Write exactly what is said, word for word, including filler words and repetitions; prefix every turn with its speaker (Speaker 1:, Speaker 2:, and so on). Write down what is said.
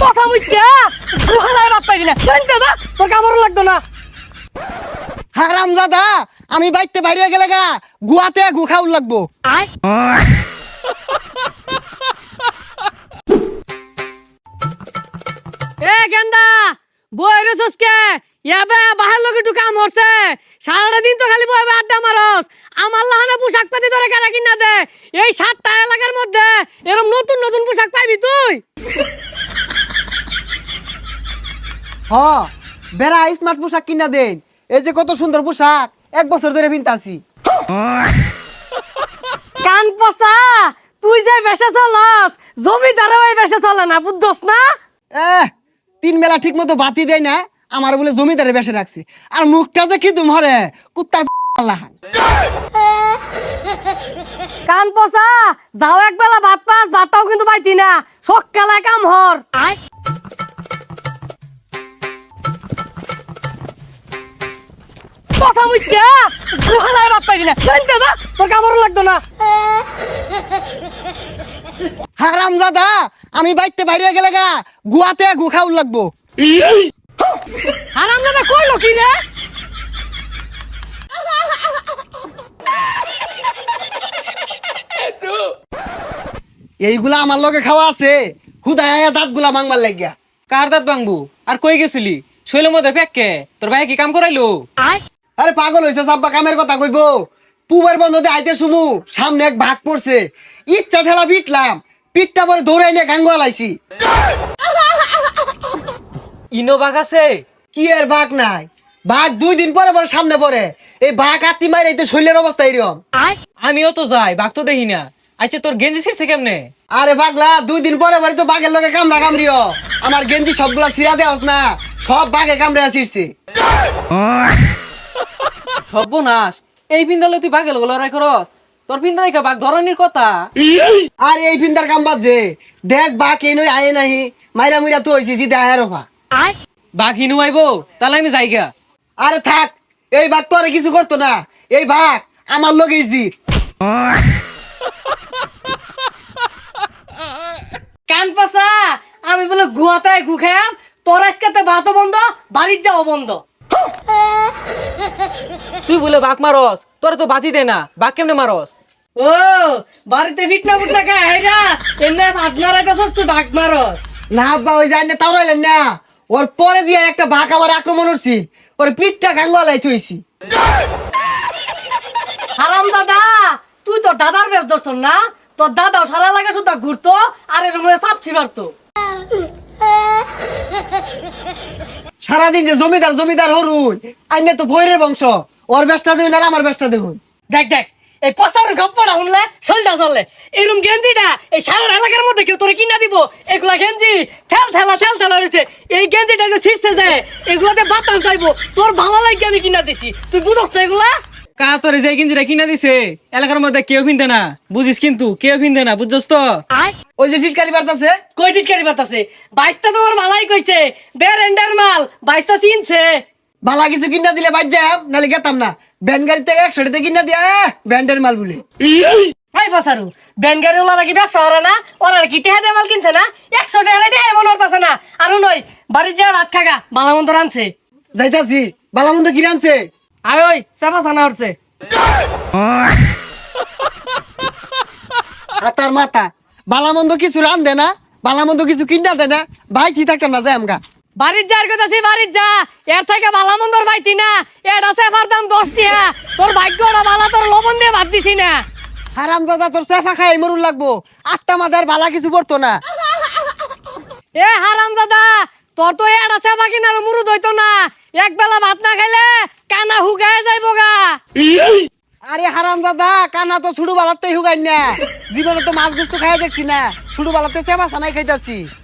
Speaker 1: কথা মুইতা গুহালায় বাপ পাইলি না শুনতে যা তোর কামড় লাগতো না
Speaker 2: হারামজাদা আমি বাইতে বাইরে গেলে গা গুয়াতে গু খাউল লাগবো
Speaker 1: আয় এ গেন্দা বইরে সসকে ইয়াবে বাহার লোকে একটু কাম হচ্ছে সারাটা দিন তো খালি বইবে আড্ডা মারস আমার লাহানে পোশাক পাতি ধরে কেনা কিনা দে এই সাতটা এলাকার মধ্যে এরকম নতুন নতুন পোশাক পাইবি তুই
Speaker 2: হ বেড়া স্মার্ট পোশাক কিনা দেন এই যে কত সুন্দর পোশাক এক বছর ধরে পিনতাছি
Speaker 1: কান পচা তুই যে বেশে চলস জমিদারও এই বেশে চলে না বুঝছস না
Speaker 2: এহ তিন বেলা ঠিক মতো বাতি দেয় না আমার বলে জমিদারে বেসে রাখছে আর মুখটা যে কি তোমারে কুত্তার লাহান
Speaker 1: কান পচা যাও এক বেলা ভাত পাস ভাতটাও কিন্তু পাইতি না সকালে কাম হর আয় পচা মুইতা গুহালায় ভাত পাইতি না শুনতে যা তোর কামড় লাগতো না
Speaker 2: হারামজাদা আমি বাইতে বাইরে গেলে গা গুয়াতে গু খাউল লাগবো
Speaker 1: হারাম দাদা কইলো কি রে
Speaker 2: এইগুলা আমার লগে খাওয়া আছে খুদায় আয়া দাঁত গুলা মাংবার লাগিয়া
Speaker 3: কার দাঁত ভাঙবো আর কই গেছিলি শৈলের মধ্যে ফেককে তোর ভাই কি কাম করাইলো
Speaker 1: আয়
Speaker 2: আরে পাগল হইছে সাব্বা কামের কথা কইবো পুবের বন্ধতে আইতে শুমু সামনে এক ভাগ পড়ছে ইচ্ছা ঠেলা পিটলাম পিটটা পরে দৌড়াই নিয়ে গাঙ্গ আলাইছি
Speaker 3: ইনো বাঘ আছে
Speaker 2: কি এর ভাগ নাই ভাগ দুই দিন পরে পরে সামনে পড়ে এই ভাগ আত্মি মাইরে এটা শৈলের অবস্থা এরকম
Speaker 1: আয়
Speaker 3: আমিও তো যাই বাঘ তো দেখি না আচ্ছা তোর গেঞ্জি ছিড়ছে কেমনে
Speaker 2: আরে পাগলা দুই দিন পরে পরে তো বাঘের লগে কামড়া কামড়িও আমার গেঞ্জি সবগুলা ছিড়া দেওয়াস না সব বাঘে কামড়ে আসিরছে
Speaker 3: সর্বনাশ এই পিন্দালে তুই বাঘের লগে লড়াই করস তোর পিন্দা দেখা বাঘ ধরনের কথা
Speaker 2: আর এই ফিন্দার কাম বাদ যে দেখ বাঘ এই নই আয়ে নাহি মাইরা মুইরা তো হইছি জিতে আয়ের অফা
Speaker 1: আয়
Speaker 3: বাঘ হিনু আইবো তাহলে আমি যাইগা
Speaker 2: আরে থাক এই বাঘ তো আর কিছু করতো না এই বাঘ আমার লগেই জিত
Speaker 1: কান পচা আমি বলে গুয়াতে গু খাম তোর আজকে ভাতও বন্ধ বাড়ির যাও বন্ধ
Speaker 3: তুই বলে বাঘ মারস তোর তো বাতি দে না বাঘ কেমনে মারস
Speaker 1: ও বাড়িতে ফিটনা ফুটনা খায় হেরা এমনি ভাত মারাইতেছস তুই ভাগ মারস
Speaker 2: না আব্বা ওই যায় না তাও রইলেন না ওর পরে দিয়ে একটা বাঘ আমার আক্রমণ করছি ওর পিঠটা গাঙ্গলাই থইছি
Speaker 1: হারাম দাদা তুই তোর দাদার বেশ ধরছ না তোর দাদাও সারা লাগে শুধু ঘুরতো আর এর মধ্যে চাপছি মারতো
Speaker 2: সারাদিন যে জমিদার জমিদার হরুন আইনে তো ভৈরের বংশ ওর বেশটা দেখুন আর আমার বেশটা দেখুন
Speaker 1: দেখ দেখ এই পচার গপ্পটা শুনলে শৈলটা চললে এরকম গেঞ্জিটা এই সারা এলাকার মধ্যে কেউ তোরে কিনা দিব এগুলা গেঞ্জি ঠেল ঠেলা ঠেল ঠেলা রয়েছে এই গেঞ্জিটা যে ছিঁড়ছে যায় এগুলাতে বাতাস যাইবো তোর ভালো লাগে আমি কিনা দিছি তুই বুঝস না এগুলা
Speaker 3: কা তোর যে গেঞ্জিটা কিনা দিছে এলাকার মধ্যে কেউ পিনতে না বুঝিস কিন্তু কেউ পিনতে না বুঝছস তো
Speaker 1: আয়
Speaker 2: ওই যে টিটকারি বার্তাছে
Speaker 1: কই টিটকারি বাতাসে বাইশটা তোমার মালাই কইছে বেরেন্ডার মাল বাইশটা চিনছে
Speaker 2: বালা কিছু কিনা দিলে বাদ যাম নাহলে গেতাম না ব্যান গাড়ি থেকে একশো টাকা কিনা দিয়া ব্যান্ডের মাল বলে
Speaker 1: হাই বাসারু ব্যানগাড়ি ওলা কি ব্যবসা ওরা না ওরা কি টেহা দিয়ে মাল কিনছে না একশো টাকা টেহা এমন হতাছে না আরো নয় বাড়ির যা ভাত খাগা বালা মন্দ রানছে
Speaker 2: যাইতাছি বালামন্দ কি রানছে
Speaker 1: আয় ওই চাপা চানা হচ্ছে
Speaker 2: হাতার মাথা বালামন্দ কিছু রান দে না বালামন্দ কিছু কিনা দে না ভাই কি থাকতাম না যাই আমগা
Speaker 1: বাড়ির যার কথা সে বাড়ির যা এর থেকে বালা মন্দর পাইতি না এর আছে আমার দাম দশ টিয়া তোর ভাগ্যটা বালা তোর লবণ দিয়ে ভাত দিছি না
Speaker 2: হারাম দাদা তোর সেফা খাই মরুন লাগবো আটটা মাদার বালা কিছু পড়তো না
Speaker 1: এ হারাম দাদা তোর তো এর আছে বাকি না মুরুদ হইতো না এক বেলা ভাত না খাইলে কানা হুগায় যাইবো গা
Speaker 2: আরে হারাম দাদা কানা তো ছুড়ু বালাতে হুগাই না জীবনে তো মাছ গুস্তু খাই দেখছি না ছুড়ু বালাতে সেবা সানাই খাইতাছি